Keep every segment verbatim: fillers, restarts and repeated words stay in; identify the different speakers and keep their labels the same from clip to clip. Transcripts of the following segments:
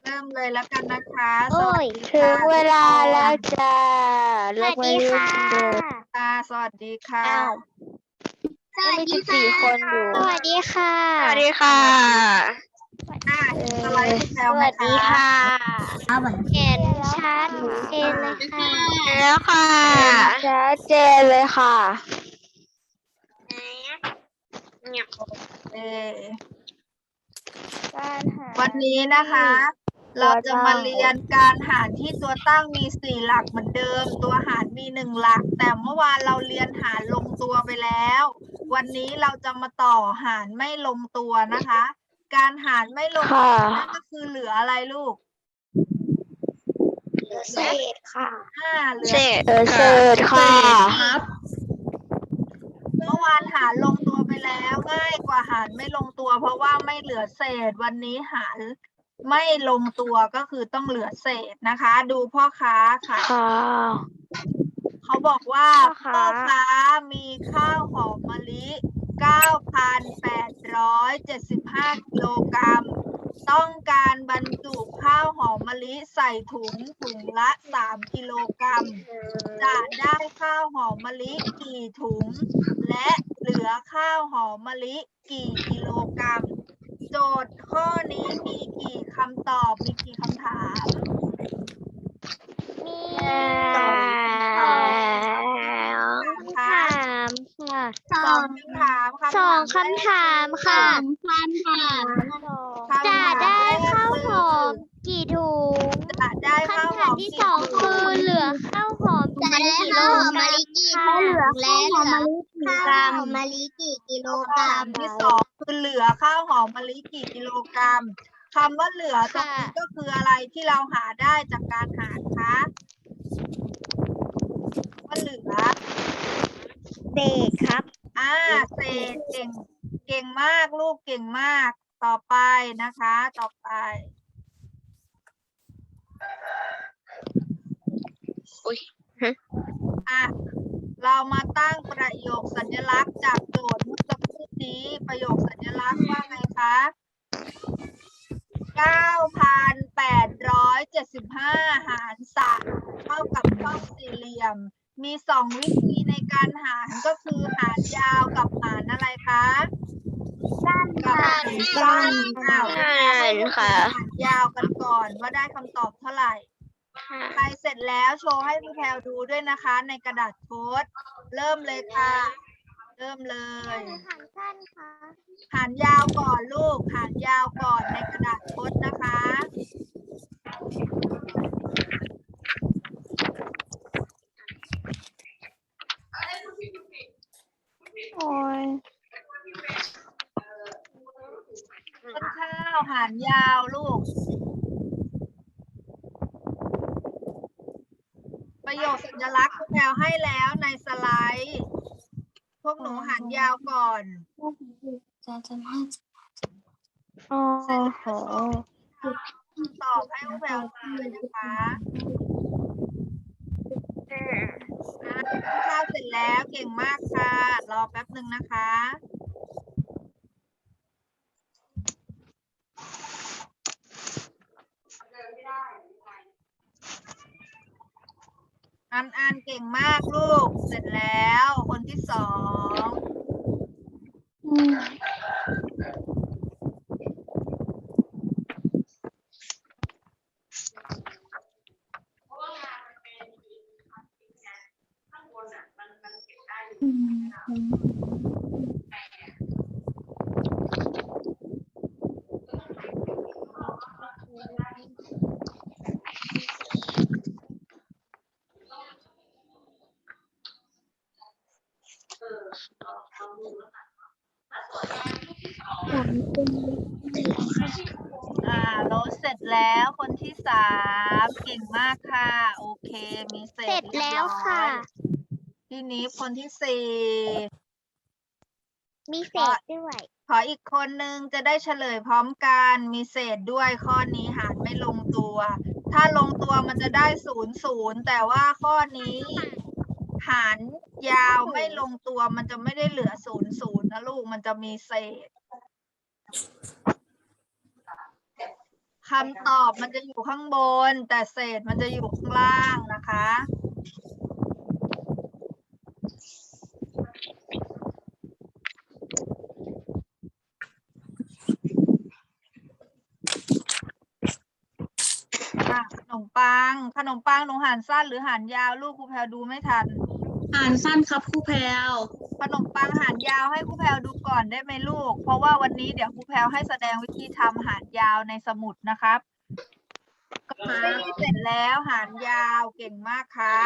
Speaker 1: ริ่มเลยแล้วกันนะคะส
Speaker 2: โอ้
Speaker 1: วัส
Speaker 2: ย
Speaker 1: ดี
Speaker 3: ถึ
Speaker 1: ค่ะ
Speaker 3: งเวลา
Speaker 1: ทุกคน
Speaker 3: แล้วจ้า
Speaker 2: สวัสดีค่ะ
Speaker 1: ค่ะสวัสดีค่ะ
Speaker 3: อ้าวยังมีสิบสี่คนอยู่
Speaker 2: สวัสดีค่ะ
Speaker 3: สวัสดีค่ะ
Speaker 1: อ่ะเห็นสไลด์คุณแพล
Speaker 3: ส
Speaker 1: วไหม
Speaker 3: วัส
Speaker 1: คะ
Speaker 3: ดีค่ะ
Speaker 2: เห็นชัดเจนเลยค่ะ
Speaker 3: แล้วค่ะชัดเจนเลยค่ะ
Speaker 1: เออ
Speaker 3: การหา
Speaker 1: วันนี้นะคะ
Speaker 3: ตัว
Speaker 1: เราจะมา
Speaker 3: ตั้ง
Speaker 1: เรียนการหารที่ตัวตั้งมีสี่หลักเหมือนเดิม ตัวหารมีหนึ่งหลัก แต่เมื่อวานเราเรียนหารลงตัวไปแล้ว วันนี้เราจะมาต่อหารไม่ลงตัวนะคะ การหารไม่ลงตัว
Speaker 3: ค่ะ
Speaker 1: นั่นก็คือเหลืออะไรลูก
Speaker 2: เหลือเศษค่ะ
Speaker 1: อ่าเหลือ
Speaker 3: เศษเออเศษค่ะ
Speaker 1: เมื่อวานหารลงตัวไปแล้วง่ายกว่าหารไม่ลงตัวเพราะว่าไม่เหลือเศษ วันนี้หารไม่ลงตัวก็คือต้องเหลือเศษนะคะ ดูพ่อค้าขาย
Speaker 3: ค่ะ
Speaker 1: เขาบอกว่า
Speaker 3: พ่อค้า
Speaker 1: พ่อค้ามีข้าวหอมมะลิ เก้าพันแปดร้อยเจ็ดสิบห้า กิโลกรัม ต้องการบรรจุข้าวหอมมะลิใส่ถุงถุงละสามกิโลกรัม จะได้ข้าวหอมมะลิกี่ถุง และเหลือข้าวหอมมะลิกี่กิโลกรัม โจทย์ข้อนี้มีกี่คำตอบ มีกี่คำถาม
Speaker 2: มี
Speaker 3: สอง
Speaker 2: สองคำถามค่ะ
Speaker 1: สองคำถามคำถาม
Speaker 2: สองคำถามค่ะ
Speaker 1: คำถาม
Speaker 2: จะได้ข้าวหอม
Speaker 1: คือ
Speaker 2: กี่ถุง
Speaker 1: จะได้ข้าวห
Speaker 2: คำถา
Speaker 1: อ
Speaker 2: ม
Speaker 1: ม
Speaker 2: ที่
Speaker 1: กี่
Speaker 2: สอง
Speaker 1: ถุ
Speaker 2: คื
Speaker 1: ง
Speaker 2: อเหลือข้าวหอม
Speaker 4: จะได้
Speaker 2: กี่
Speaker 4: ข้าวหอม
Speaker 2: โล
Speaker 4: มะลิ
Speaker 2: ก
Speaker 4: กี่
Speaker 2: ค่ะ
Speaker 4: ถุงและเหลือข้าวหอมมะลิกี่กิโลกรัม
Speaker 1: คำที่สองคือเหลือข้าวหอมมะลิกี่กิโลกรัมคำว่าเหลือตรงนี้ก็คืออะไรที่เราหาได้จากการหารคะว่าเหลือ
Speaker 2: เศษครับ
Speaker 1: อ่าเศษเก่งเก่งมากลูกเก่งมากต่อไปนะคะ ต่อไป
Speaker 3: อุ๊ย
Speaker 1: อ่ะเรามาตั้งประโยคสัญลักษณ์จากโจทย์เมื่อสักครู่นี้ประโยคสัญลักษณ์ว่าไงคะ เก้าพันแปดร้อยเจ็ดสิบห้า หารสามเท่ากับช่องสี่เหลี่ยม มีสองวิธีในการหารก็คือหารยาวกับหารอะไรคะสั้นกับหารสั้นอ้าว
Speaker 3: สั้นค่ะ
Speaker 1: หารยาวกันก่อนว่าได้คำตอบเท่าไหร่ใครเสร็จแล้วโชว์ให้พี่แพลวดูด้วยนะคะ ในกระดาษโพสต์เริ่มเลยค่ะ เริ่มเลย
Speaker 2: หารสั้นค่ะ
Speaker 1: หารยาวก่อนลูกหารยาวก่อนในกระดาษโพสต์นะคะ
Speaker 3: โอ้ย
Speaker 1: ต้นข้าวหารยาวลูก ประโยคสัญลักษณ์คุณแพลวให้แล้วในสไลด์ พวกหนูหารยาวก่อน
Speaker 3: โอ้
Speaker 1: เสร็จ
Speaker 3: โห
Speaker 1: แล้วโชว์ตอบให้คุณแพลวดูเลยนะคะอ่ะต้นข้าวเสร็จแล้วเก่งมากค่ะ รอแป๊บหนึ่งนะคะ อันอันเก่งมากลูก เสร็จแล้วคนที่สอง อ่าโรสเสร็จแล้วคนที่สามเก่งมากค่ะ โอเค มีเศ
Speaker 2: เสร็
Speaker 1: ษ
Speaker 2: จ
Speaker 1: เรียบ
Speaker 2: แล้ว
Speaker 1: ร้อ
Speaker 2: ค่ะ
Speaker 1: ยทีนี้คนที่สี่
Speaker 2: มีเศษด้วย
Speaker 1: ขออีกคนนึงจะได้เฉลยพร้อมกันมีเศษด้วยข้อนี้หารไม่ลงตัว ถ้าลงตัวมันจะได้ศูนย์ศูนย์แต่ว่าข้อนี้ หารยาวไม่ลงตัวมันจะไม่ได้เหลือศูนย์ศูนย์นะลูกมันจะมีเศษคำตอบมันจะอยู่ข้างบน แต่เศษมันจะอยู่ข้างล่างนะคะอ่ะขนมปัง ขนมปังหนูหารสั้นหรือหารยาวลูกครูแพรดูไม่ทัน
Speaker 5: อ่านสั้นครับครูแพรว
Speaker 1: ขนมปังหารยาวให้ครูแพรดูก่อนได้ไหมลูก เพราะว่าวันนี้เดี๋ยวครูแพรให้แสดงวิธีทำหารยาวในสมุดนะครับก็เสร็จแล้วหารยาวเก่งมากครับ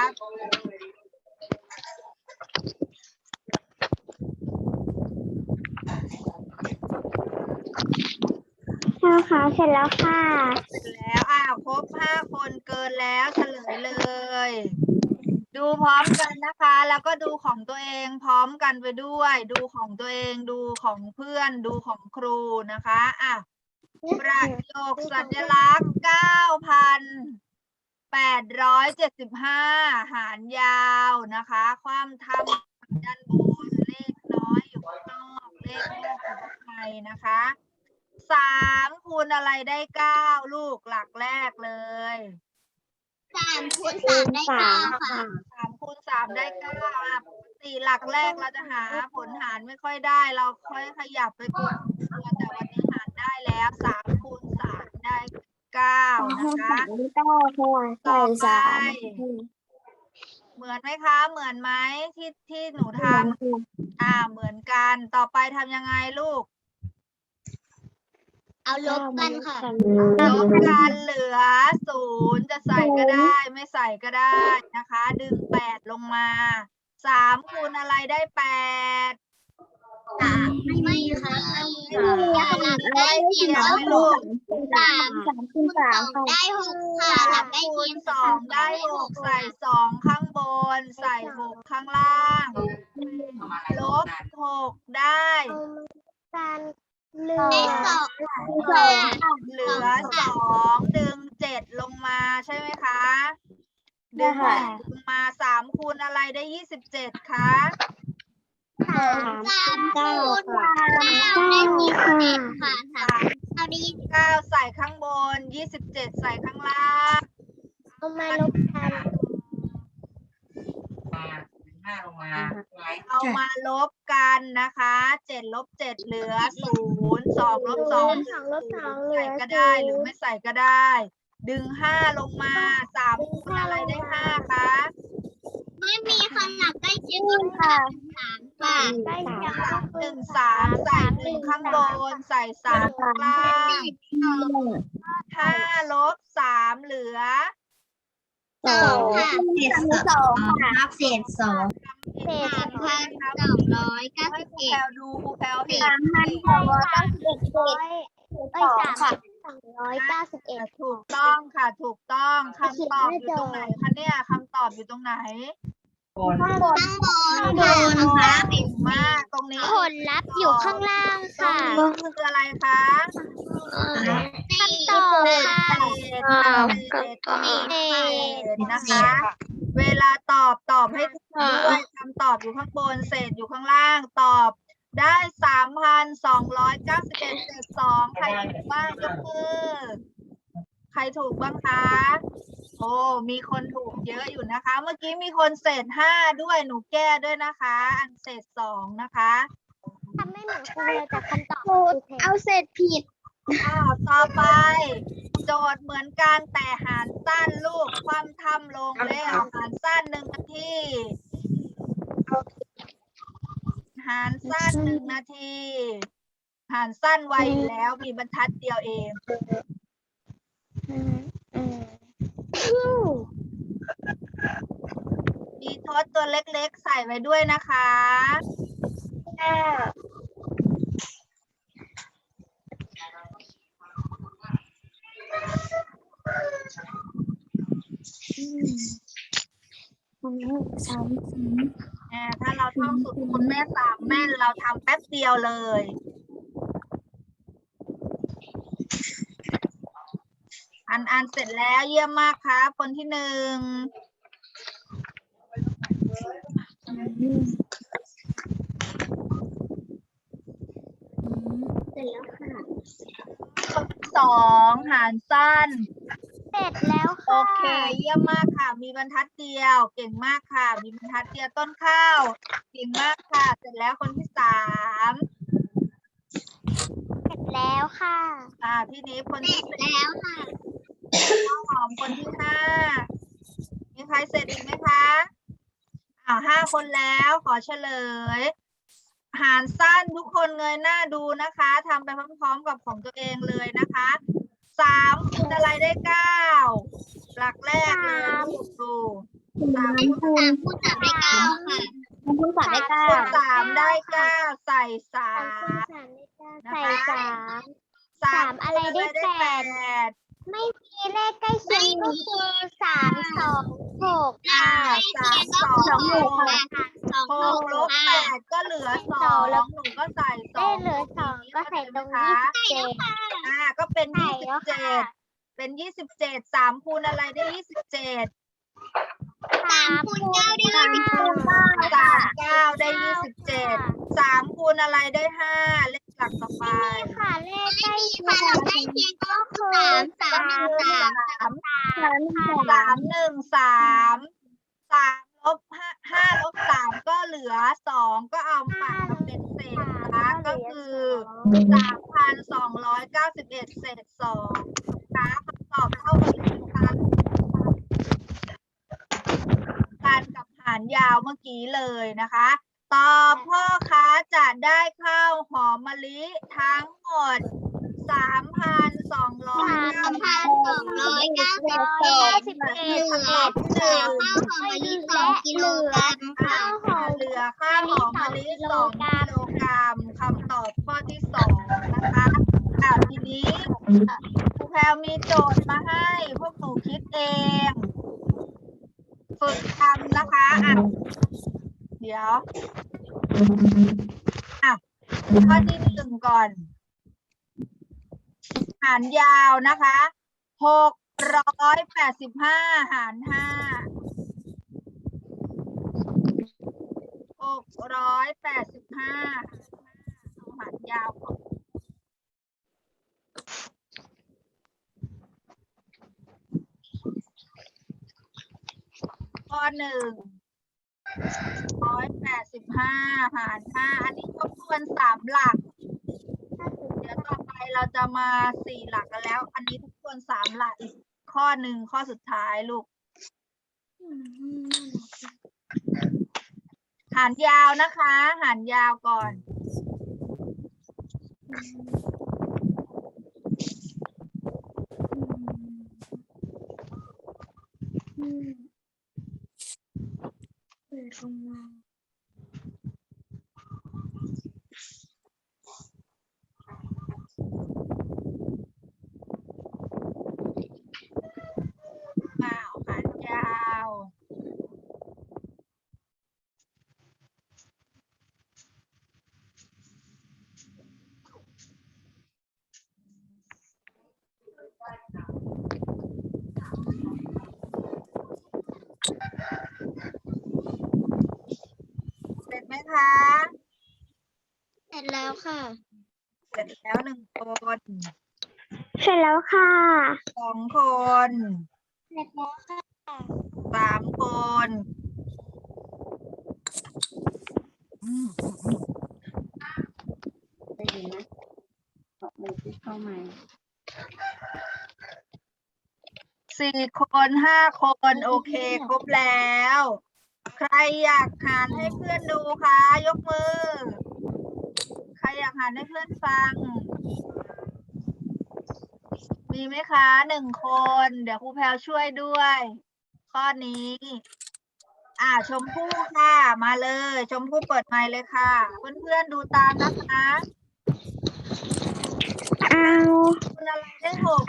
Speaker 2: ครูคะเสร็จแล้วค่ะ
Speaker 1: เสร็จแล้วอ้าวครบห้าคนเกินแล้วเฉลยเลย ดูพร้อมกันนะคะ แล้วก็ดูของตัวเองพร้อมกันไปด้วย ดูของตัวเองดูของเพื่อนดูของครูนะคะอ่ะประโยคสัญลักษณ์ เก้าพันแปดร้อยเจ็ดสิบห้า หารยาวนะคะ ความทำด้านบนเลขน้อยอยู่ข้างนอกเลขมากอยู่ข้างในนะคะสามคูณอะไรได้เก้าลูกหลักแรกเลย
Speaker 4: สามคูณสามได้เก้าค่ะ
Speaker 1: สามคูณสามได้เก้าอ่ะปกติหลักแรกเราจะหาผลหารไม่ค่อยได้ เราค่อยขยับไปคูณตัวแต่วันนี้หารได้แล้วสามคูณสามได้เก้านะคะ ต่อไปเหมือนไหมคะ เหมือนไหมที่ที่หนูทำอ่าเหมือนกันต่อไปทำยังไงลูก
Speaker 4: เอาลบกันค่ะ
Speaker 1: ลบกันเหลือศูนย์จะใส่ก็ได้ ไม่ใส่ก็ได้นะคะ ดึงแปดลงมาสามคูณอะไรได้แปด
Speaker 4: ไม่ค่ะ
Speaker 1: ได้เคียงไหมลูก
Speaker 4: สามสามคูณสามได้หกค่ะหลั
Speaker 1: สาก ม
Speaker 4: ได้
Speaker 1: คู
Speaker 4: เคีย
Speaker 1: ณ
Speaker 4: ง
Speaker 1: สองได้หกใส่สองข้างบน ใส่หกข้างล่างลบหกได้
Speaker 4: ได้สอง
Speaker 1: เหลือสองดึงเจ็ดลงมาใช่ไหมคะ ดึงเจ็ดลงมาสามคูณอะไรได้ยี่สิบเจ็ดคะ
Speaker 4: สามคูณสามได้ยี่สิบเจ็ดค่ะสามเอาได้ยี่สิบ
Speaker 1: เก้าใส่ข้างบนยี่สิบเจ็ดใส่ข้างล่าง
Speaker 2: เอามาลบกัน
Speaker 6: ห้าลงมา
Speaker 1: เอามาลบกันนะคะเจ็ดลบเจ็ดเหลือศูนย์สองลบสอง
Speaker 2: สองลบสองเหลื
Speaker 1: ใส่
Speaker 2: อ
Speaker 1: ก็ได้หรือไม่ใส่ก็ได้ ดึงห้าลงมาสามคูณอะไรได้ห้าคะ
Speaker 4: ไม่มีค่ะหลักได้เคียงกันค่ะสามค่ะ
Speaker 2: ได้สาม
Speaker 1: หนึ่งสามใส่หนึ่งข้างบนใส่สามข้างล่างห้าลบสามเหลือ
Speaker 4: สองค่ะ
Speaker 2: เศษสองค่ะ
Speaker 4: นับเศษสอง
Speaker 2: เศษ
Speaker 4: สามพันสองร้อยเก้า
Speaker 1: ให้
Speaker 4: สิบ
Speaker 1: ครู
Speaker 4: เอ็
Speaker 1: แพ
Speaker 4: ด
Speaker 1: ลดูครูแพลเห็น
Speaker 2: สามพันสองร้อยเก้าสิบเอ็ดเศษเอ้ยสามพันสองร้อยเก้าสิบเอ็ด
Speaker 1: ถูกต้องค่ะถูกต้องคำตอบอยู่ตรงไหนคะเนี่ยคำตอบอยู่ตรงไหน
Speaker 6: บน
Speaker 2: ข้างบน
Speaker 4: ข้างบน
Speaker 2: ข้างบ
Speaker 4: ค่ะ
Speaker 2: น
Speaker 1: ค่ะเก่งมากตรงนี้
Speaker 2: ผลลัพธ์อยู่ข้างล่าง
Speaker 1: ตรง
Speaker 2: ค่ะ
Speaker 1: นี้คืออะไรคะ
Speaker 2: คำตอบค่ะ
Speaker 1: เศษค่ะเศษตรงนี้เศษนะคะ เวลาตอบตอบให้ถูกด้วยคำตอบอยู่ข้างบนเศษอยู่ข้างล่างตอบได้สามพันสองร้อยเก้าสิบเอ็ดเศษสองใครถูกบ้างยกมือใครถูกบ้างคะโอ้มีคนถูกเยอะอยู่นะคะ เมื่อกี้มีคนเศษห้าด้วยหนูแก้ด้วยนะคะ อันเศษสองนะคะ
Speaker 2: ทำไม่เหมือนครูเลยแต่คำตอบคือเอาเศษผิด
Speaker 1: อ้าวต่อไป โจทย์เหมือนกันแต่หารสั้นลูกความทำลงแล้วหารสั้นหนึ่งนาทีหารสั้นหนึ่งนาทีหารสั้นไวอยู่แล้วมีบรรทัดเดียวเองมีทดตัวเล็กๆใส่ไว้ด้วยนะคะอ่าถ้าเราท่องสูตรคูณแม่สามแม่นเราทำแป๊บเดียวเลย อันอันเสร็จแล้วเยี่ยมมากครับคนที่หนึ่งสองหารสั้น
Speaker 2: เสร็จแล้ว
Speaker 1: โอ
Speaker 2: ค่ะ
Speaker 1: เค เยี่ยมมากค่ะ มีบรรทัดเดียว เก่งมากค่ะ มีบรรทัดเดียวต้นข้าว เก่งมากค่ะ เสร็จแล้วคนที่สาม
Speaker 2: เสร็จแล้วค่ะ
Speaker 1: อ่า พี่นิฟคนที่สี่
Speaker 4: แล้วค่ะ
Speaker 1: ข้าวหอมคนที่ห้า มีใครเสร็จอีกไหมคะอ่าห้าคนแล้วขอเฉลย หารสั้นทุกคนเงยหน้าดูนะคะทำไปพร้อมๆกับของตัวเองเลยนะคะสามคูณอะไรได้เก้าหลักแรกเลยลูกดูสามคูณ
Speaker 4: สามคูณสามได้เก้าค่ะ
Speaker 2: คูณสามได้เก้า
Speaker 1: คูณสามได้เก้าใส่สา
Speaker 2: สามคูณ
Speaker 1: ม
Speaker 2: สามได้เก้าใส่สาม
Speaker 1: สาม
Speaker 2: อะไรได้
Speaker 1: คูณ
Speaker 2: แปด
Speaker 1: แปด
Speaker 2: ไม่มีเลขใกล้เคียงก็คือสามสองหก
Speaker 1: อ่าสามสอง
Speaker 2: สองหก
Speaker 4: สอง
Speaker 1: ห
Speaker 4: ห
Speaker 1: ก
Speaker 4: ก
Speaker 1: ลบแปดก็เหลือสองหนูก็ใส่ส
Speaker 2: ได้
Speaker 1: อง
Speaker 2: เหลือสองก็ใส่ตรง
Speaker 1: คะ
Speaker 2: ยี่สิบเจ็ด
Speaker 1: อ่าก็เป็น
Speaker 2: ใส่
Speaker 1: ยี่สิ
Speaker 2: แล้
Speaker 1: บ
Speaker 2: ว
Speaker 1: เจ็
Speaker 2: ค่ะ
Speaker 1: ดเป็นยี่สิบเจ็ดสามคูณอะไรได้ยี่สิบเจ็ด
Speaker 2: สามคูณเก้าได้
Speaker 1: สาม
Speaker 2: ยี่สิบ
Speaker 1: คูณ
Speaker 2: เก้า
Speaker 1: สามเก้าได้ยี่สิบเจ็ดสามคูณอะไรได้ห้าเลขหลักต่อไป
Speaker 2: ค่ะเลขใกล้เคี
Speaker 4: ค่ะ
Speaker 2: ย
Speaker 4: เรา
Speaker 2: ง
Speaker 4: ใกล้เคียงก็คือสามสามหนึ่งสาม
Speaker 1: สามสามหนึ่งสามสามลบห้าห้าลบสามก็เหลือสองก็เอาปัดมาเป็นเศษนะคะก็คือสามพันสองร้อยเก้าสิบเอ็ดเศษสองนะคะคำตอบเท่ากับนะคะการกับหารยาวเมื่อกี้เลยนะคะตอบพ่อค้าจะได้ข้าวหอมมะลิทั้งหมดสามพันสองร้อย
Speaker 4: สามพันสองร้อยเก้าสิบ
Speaker 2: เก้า
Speaker 4: เอ็ด
Speaker 2: สิบ
Speaker 4: เห
Speaker 2: เอ็ด
Speaker 4: ลือเหลือข้าวหอมมะลิสองกิโลกรัมค่ะ
Speaker 1: เหลือข้าวหอมมะลิสองกิโลกรัมคำตอบข้อที่สองนะคะอ่าทีนี้ครูแพรวมีโจทย์มาให้พวกหนูคิดเอง ฝึกทำนะคะอ่ะเดี๋ยวอ่ะข้อที่หนึ่งก่อนหารยาวนะคะหกร้อยแปดสิบห้าหารห้าหกร้อยแปดสิบห้าเอาหารยาวก่อนข้อหนึ่งร้อยแปดสิบห้าหารห้าอันนี้ทบทวนสามหลักเดี๋ยวต่อไปเราจะมาสี่หลักกันแล้ว อันนี้ทบทวนสามหลักอีกข้อหนึ่งข้อสุดท้ายลูกหารยาวนะคะหารยาวก่อนมาหารยาวเสร็จไหมคะ
Speaker 4: เสร็จแล้วค่ะ
Speaker 1: เสร็จแล้วหนึ่งคน
Speaker 2: เสร็จแล้วค่ะ
Speaker 1: สองคน
Speaker 2: เสร็จแล้วค่ะ
Speaker 1: สามคน
Speaker 6: ได้ยินไหมขอบมือที่เข้ามา
Speaker 1: สี่คนห้าคนโอเคครบแล้ว ใครอยากหารให้เพื่อนดูคะยกมือ ใครอยากหารให้เพื่อนฟัง มีไหมคะหนึ่งคน เดี๋ยวครูแพรวช่วยด้วย ข้อนี้ อ่าชมพู่ค่ะ มาเลย ชมพู่เปิดไมค์เลยค่ะ เพื่อนๆดูตามนะคะ
Speaker 2: เอา
Speaker 1: คุณอะไรได้หก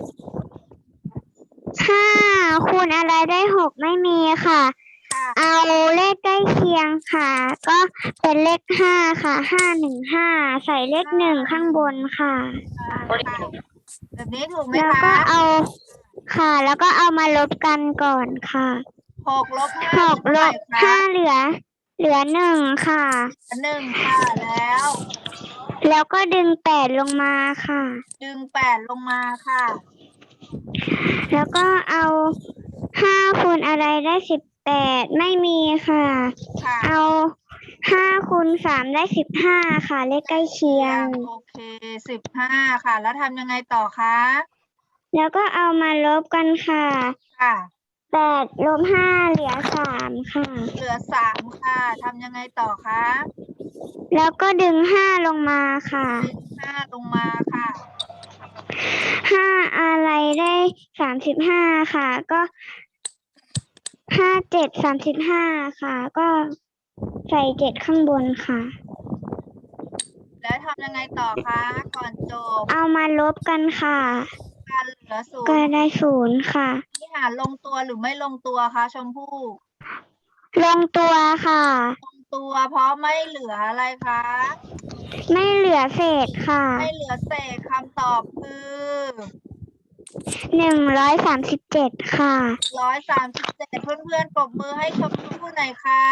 Speaker 2: ห้าคูณอะไรได้หกไม่มีค่ะ
Speaker 1: ค่ะ
Speaker 2: เอาเลขใกล้เคียงค่ะ ก็เป็นเลขห้าค่ะห้าหนึ่งห้าใส่เลขหนึ่งข้างบนค่ะ
Speaker 1: อ่าค่ะแบบนี้ถูกไหม
Speaker 2: แล้ว
Speaker 1: คะ
Speaker 2: ก็เอาค่ะ แล้วก็เอามาลบกันก่อนค่ะ
Speaker 1: หกลบห้า
Speaker 2: หกลบ
Speaker 1: เท่าไหร่คะ
Speaker 2: ห้าเหลือ เหลือหนึ่งค่ะ
Speaker 1: หนึ่งค่ะแล้ว
Speaker 2: แล้วก็ดึงแปดลงมาค่ะ
Speaker 1: ดึงแปดลงมาค่ะ
Speaker 2: แล้วก็เอาห้าคูณอะไรได้สิบแปดไม่มีค่ะ
Speaker 1: ค่ะ
Speaker 2: เอาห้าคูณสามได้สิบห้าค่ะ เลขใกล้เคียง
Speaker 1: โอเคสิบห้าค่ะ แล้วทำยังไงต่อคะ
Speaker 2: แล้วก็เอามาลบกันค่ะ
Speaker 1: ค่ะ
Speaker 2: แปดลบห้าเหลือสามค่ะ
Speaker 1: เหลือสามค่ะทำยังไงต่อคะ
Speaker 2: แล้วก็ดึงห้าลงมาค่ะ
Speaker 1: ดึงห้าลงมาค่ะ
Speaker 2: ห้าอะไรได้สามสิบห้าค่ะ ก็ห้าเจ็ดสามสิบห้าค่ะ ก็ใส่เจ็ดข้างบนค่ะ
Speaker 1: แล้วทำยังไงต่อคะก่อนจบ
Speaker 2: เอามาลบกันค่ะ
Speaker 1: การเหลือศูน
Speaker 2: ก็
Speaker 1: ย์
Speaker 2: ได้ศูนย์ค่ะ
Speaker 1: ที่หารลงตัวหรือไม่ลงตัวคะชมพู่
Speaker 2: ลงตัวค่ะ
Speaker 1: ลงตัวเพราะไม่เหลืออะไรคะ
Speaker 2: ไม่เหลือเศษค่ะ
Speaker 1: ไม่เหลือเศษคำตอบคือ
Speaker 2: หนึ่งร้อยสามสิบเจ็ดค่ะ
Speaker 1: ร้อยสามสิบเจ็ดเพื่อนๆปรบมือให้ชมพู่หน่อยค่ะ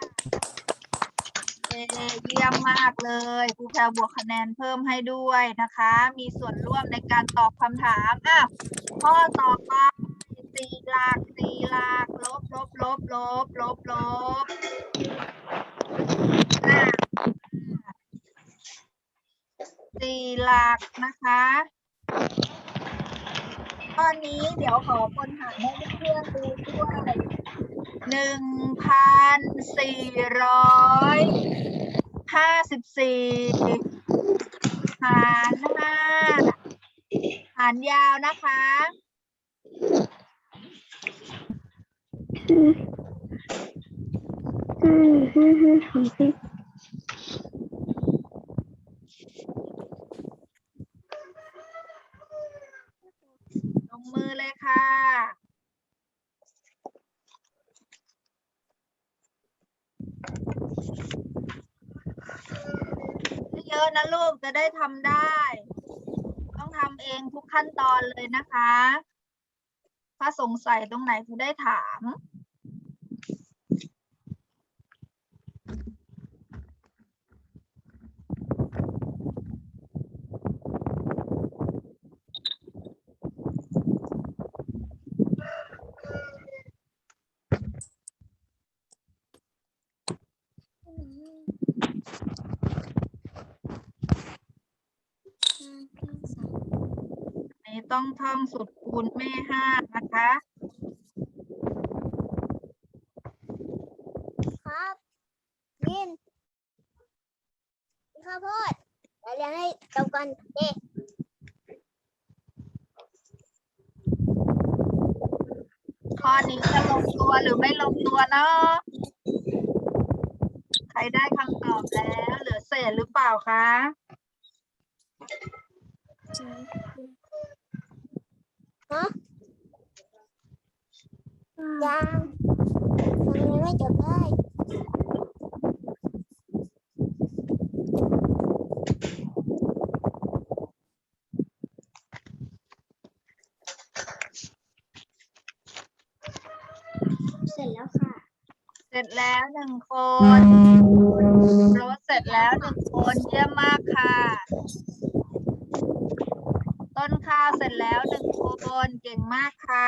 Speaker 1: เย้เยี่ยมมากเลยครูแพรบวกคะแนนเพิ่มให้ด้วยนะคะ มีส่วนร่วมในการตอบคำถามอ่ะข้อต่อไปสี่หลักสี่หลักลบลบลบลบลบลบอ่ะสี่หลักนะคะตอนนี้เดี๋ยวขอคนหารให้เพื่อนๆดูด้วยหนึ่งพันสี่ร้อยห้าสิบสี่หารห้าหารยาวนะคะ
Speaker 2: อืมอืมอืมอืมของพี่
Speaker 1: ลงมือเลยค่ะ เยอะนะลูกจะได้ทำได้ ต้องทำเองทุกขั้นตอนเลยนะคะ ถ้าสงสัยตรงไหนจะได้ถาม นี้ต้องท่องสูตรคูณแม่ห้านะคะ
Speaker 4: ครับยินข้าวโพดเราเรียนให้จบกันเอ๊ะ
Speaker 1: ข้อนี้จะลงตัวหรือไม่ลงตัวเนาะใครได้คำตอบแล้วเหลือเศษหรือเปล่าคะ
Speaker 4: ฮะยังยังไม่จบเลย
Speaker 2: เสร็จแล้วค่ะ
Speaker 1: เสร็จแล้วหนึ่งคนโรสเสร็จแล้วหนึ่งคนเยี่ยมมากค่ะ ต้นข้าวเสร็จแล้วหนึ่งคนเก่งมากค่ะ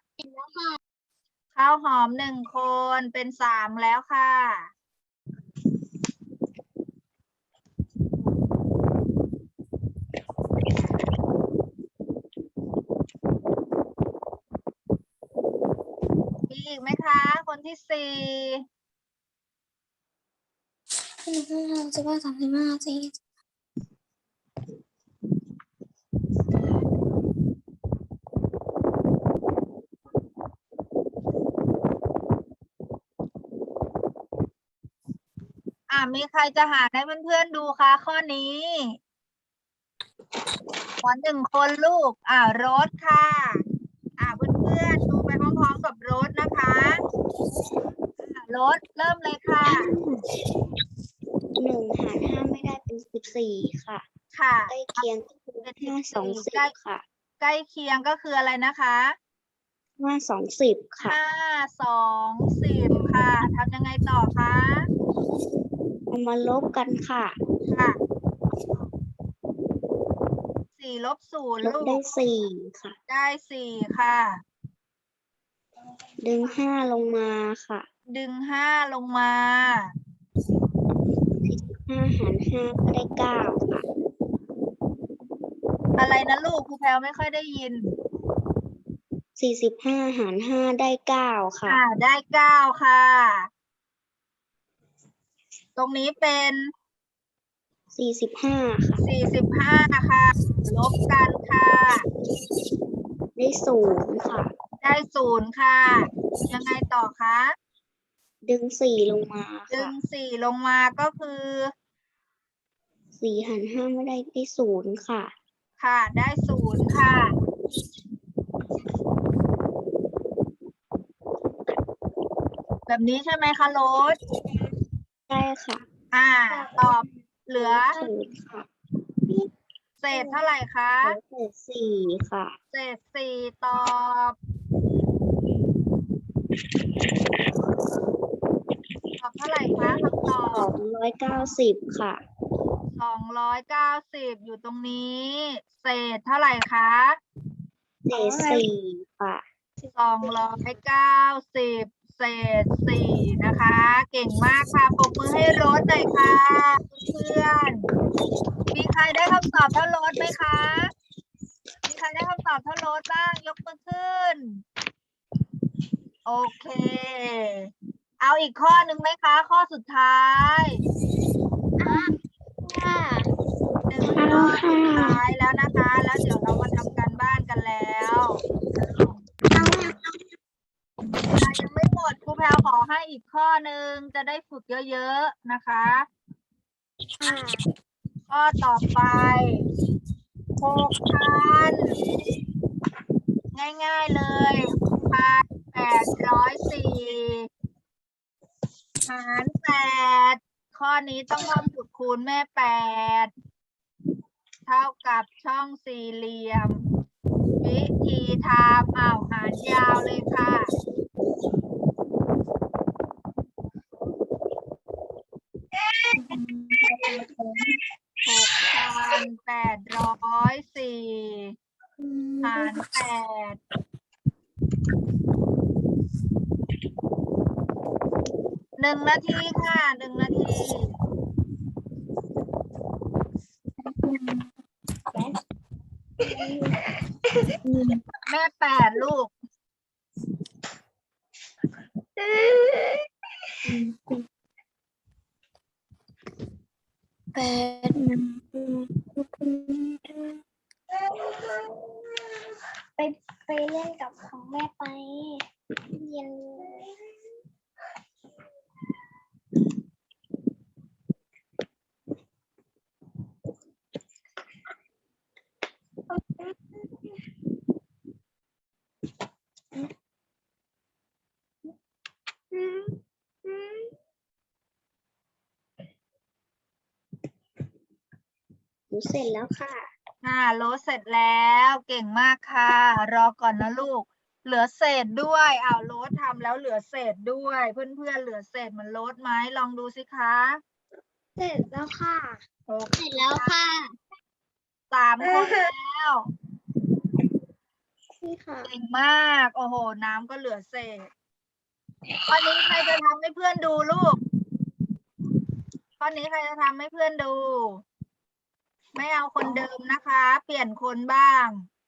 Speaker 1: ข้าวหอมหนึ่งคนเป็นสามแล้วค่ะ มีอีกไหมคะ คนที่สี่
Speaker 3: สิบห้าสามสิบห้าสี่
Speaker 1: อ่ามีใครจะหาให้เพื่อนๆดูคะข้อนี้ขอหนึ่งคนลูก อ่าโรสค่ะ อ่าเพื่อนๆดูไปพร้อมๆกับโรสนะคะอ่าโรสเริ่มเลยค่ะ
Speaker 2: หนึ่งหารห้าไม่ได้เป็นสิบสี่ค่ะ
Speaker 1: ค่ะ
Speaker 2: ใกล้เคียงก็คือห้าสองสิบค่ะ
Speaker 1: ใกล้เคียงก็คืออะไรนะคะ
Speaker 2: ห้าสองสิบค่ะ
Speaker 1: ห้าสองสิบค่ะทำยังไงต่อคะ
Speaker 2: เอามาลบกันค่ะ
Speaker 1: ค่ะสี่ลบศูนย์
Speaker 2: ลบ
Speaker 1: ลู
Speaker 2: ได้
Speaker 1: ก
Speaker 2: สี่ค่ะ
Speaker 1: ได้สี่ค่ะ
Speaker 2: ดึงห้าลงมาค่ะ
Speaker 1: ดึงห้าลงมา
Speaker 2: ห้าหารห้าก็ได้เก้าค่ะ
Speaker 1: อะไรนะลูกครูแพลวไม่ค่อยได้ยิน
Speaker 2: สี่สิบห้าหารห้าได้เก้าค่ะ
Speaker 1: อ่าได้เก้าค่ะ ตรงนี้เป็น
Speaker 2: สี่สิบห้าค่ะ
Speaker 1: สี่สิบห้าค่ะ ลบกันค่ะ
Speaker 2: ได้ศูนย์ค่ะ
Speaker 1: ได้ศูนย์ค่ะ ยังไงต่อคะ
Speaker 2: ดึงสี่ลงมา
Speaker 1: ดึ
Speaker 2: ค่ะ
Speaker 1: งสี่ลงมาก็คือ
Speaker 2: สี่หารห้าไม่ได้ได้ศูนย์ค่ะ
Speaker 1: ค่ะ ได้ศูนย์ค่ะ แบบนี้ใช่ไหมคะโรส
Speaker 2: ได้ค่ะ
Speaker 1: อ่า ตอบเหลือ
Speaker 2: ศูนย์ค่ะ
Speaker 1: เศษเท่าไหร่คะ
Speaker 2: เหลือเศษสี่ค่ะ
Speaker 1: เศษสี่ตอบ ตอบเท่าไหร่คะคำตอ
Speaker 2: สอบ งร้อยเก้าสิบค่ะ
Speaker 1: สองร้อยเก้าสิบอยู่ตรงนี้ เศษเท่าไหร่คะ
Speaker 2: เศษสี่ค่ะ
Speaker 1: สองร้อยเก้าสิบเศษสี่นะคะ เก่งมากค่ะปรบมือให้โรสหน่อยค่ะเพื่อนๆมีใครได้คำตอบเท่าโรสไหมคะ มีใครได้คำตอบเท่าโรสบ้าง ยกมือขึ้น โอเค เอาอีกข้อหนึ่งไหมคะ ข้อสุดท้ายหนึ่งข้อสุดท้ายแล้วนะคะ แล้วเดี๋ยวเรามาทำการบ้านกันแล้วยังไม่หมดครูแพลวขอให้อีกข้อหนึ่งจะได้ฝึกเยอะๆนะคะ ข้อต่อไปหกพันง่ายๆเลยพันแปดร้อยสี่หารแปดข้อนี้ต้องท่องสูตรคูณแม่แปดเท่ากับช่องสี่เหลี่ยม วิธีทำอ้าวหารยาวเลยค่ะหกพันแปดร้อยสี่หารแปดหนึ่งนาทีค่ะหนึ่งนาทีแม่แปดลูก
Speaker 3: แปด
Speaker 4: ไปไปเล่นกับของแม่ไปเย็น
Speaker 2: หนูเสร็จแล้วค่ะ
Speaker 1: ค่ะโลดเสร็จแล้วเก่งมากค่ะ รอก่อนนะลูก เหลือเศษด้วยอ้าวโลดทำแล้วเหลือเศษด้วย เพื่อนๆเหลือเศษเหมือนโลดไหมลองดูสิคะ
Speaker 4: เสร็จแล้วค่ะ
Speaker 1: โอ
Speaker 4: เสร็จแล้วค่ะ
Speaker 1: สามคนแล้ว
Speaker 4: นี่ค่ะ
Speaker 1: เก่งมาก โอ้โห น้ำก็เหลือเศษข้อนี้ใครจะทำให้เพื่อนดูลูกข้อนี้ใครจะทำให้เพื่อนดู ไม่เอาคนเดิมนะคะ เปลี่ยนคนบ้าง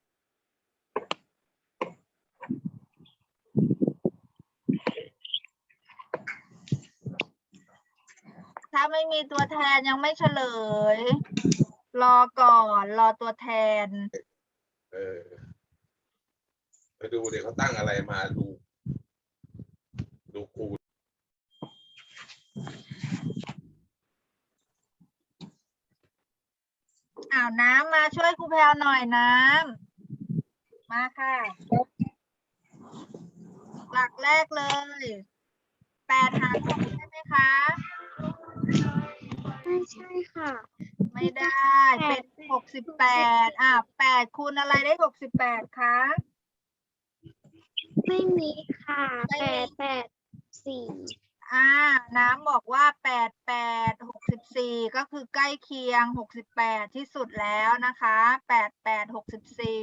Speaker 1: ถ้าไม่มีตัวแทนยังไม่เฉลย รอก่อน รอตัวแทน
Speaker 7: เออไปดูเดี๋ยวเขาตั้งอะไรมาดู ดูครู
Speaker 1: อ้าวน้ำมาช่วยครูแพลวหน่อยน้ำมาค่ะ หลักแรกเลยแปดหารหกใช่ไหมคะ
Speaker 2: ไม่ใช่ค่ะ
Speaker 1: ไม่ได้ เป็นหกสิบแปดอ่ะแปดคูณอะไรได้หกสิบแปดคะ
Speaker 2: ไม่มีค่ะ
Speaker 1: ไม่
Speaker 2: แป
Speaker 1: มี
Speaker 2: ดแปดสี่
Speaker 1: อ่า น้ำบอกว่าแปดแปดหกสิบสิบสี่ก็คือใกล้เคียงหกสิบแปดที่สุดแล้วนะคะแปดแปดหกสิบสี่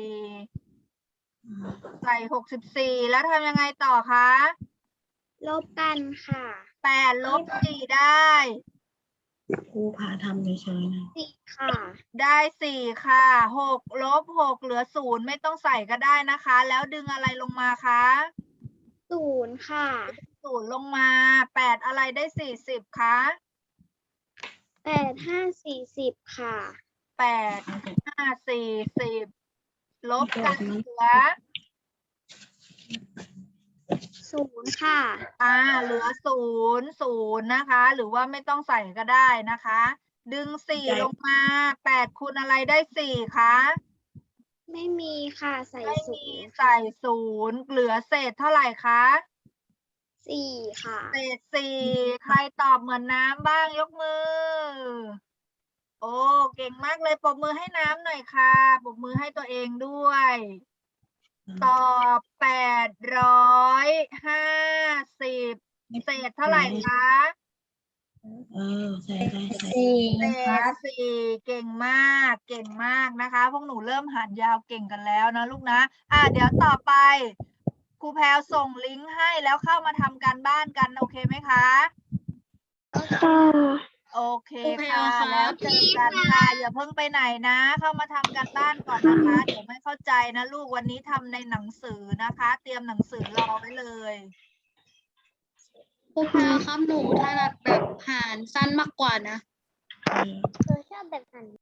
Speaker 1: ใส่หกสิบสี่แล้วทำยังไงต่อคะ
Speaker 2: ลบกันค่ะ
Speaker 1: แปดลบสี่ได้
Speaker 5: ครูพาทำเฉยๆนะ
Speaker 2: สี่ค่ะ
Speaker 1: ได้สี่ค่ะหกลบหกเหลือศูนย์ไม่ต้องใส่ก็ได้นะคะ แล้วดึงอะไรลงมาคะ
Speaker 2: ศูนย์ค่ะ
Speaker 1: ศูนย์ลงมาแปดอะไรได้สี่สิบคะ
Speaker 2: แปดห้าสี่สิบค่ะ
Speaker 1: แปดห้าสี่สิบลบกันเหลือ
Speaker 2: ศูนย์ค่ะ
Speaker 1: อ่าเหลือศูนย์ศูนย์นะคะ หรือว่าไม่ต้องใส่ก็ได้นะคะ ดึงสี่ลงมาแปดคูณอะไรได้สี่คะ
Speaker 2: ไม่มีค่ะ ใส่
Speaker 1: ไม่
Speaker 2: ศู
Speaker 1: มี
Speaker 2: นย์
Speaker 1: ใส่ศูนย์เหลือเศษเท่าไหร่คะ
Speaker 2: สี่ค่ะ
Speaker 1: เศษสี่ใครตอบเหมือนน้ำบ้างยกมือ โอ้เก่งมากเลยปรบมือให้น้ำหน่อยค่ะปรบมือให้ตัวเองด้วย ตอบแปดร้อยห้าสิบเศษเท่าไหร่คะ
Speaker 5: เออใส่ใส่ใส่
Speaker 3: สี่
Speaker 1: เศษสี่เก่งมากเก่งมากนะคะ พวกหนูเริ่มหารยาวเก่งกันแล้วนะลูกนะ อ่ะเดี๋ยวต่อไปครูแพรวส่งลิงก์ให้แล้วเข้ามาทำการบ้านกันโอเคไหมคะ
Speaker 2: ค่ะ
Speaker 1: โอเคค่ะแล้วเจอกันค่ะอย่าเพิ่งไปไหนนะ เข้ามาทำการบ้านก่อนนะคะ เดี๋ยวไม่เข้าใจนะลูกวันนี้ทำในหนังสือนะคะ เตรียมหนังสือรอไว้เลย
Speaker 5: ครูแพรวครับหนูถนัดแบบหารสั้นมากกว่านะ
Speaker 2: หนูชอบแบบหัน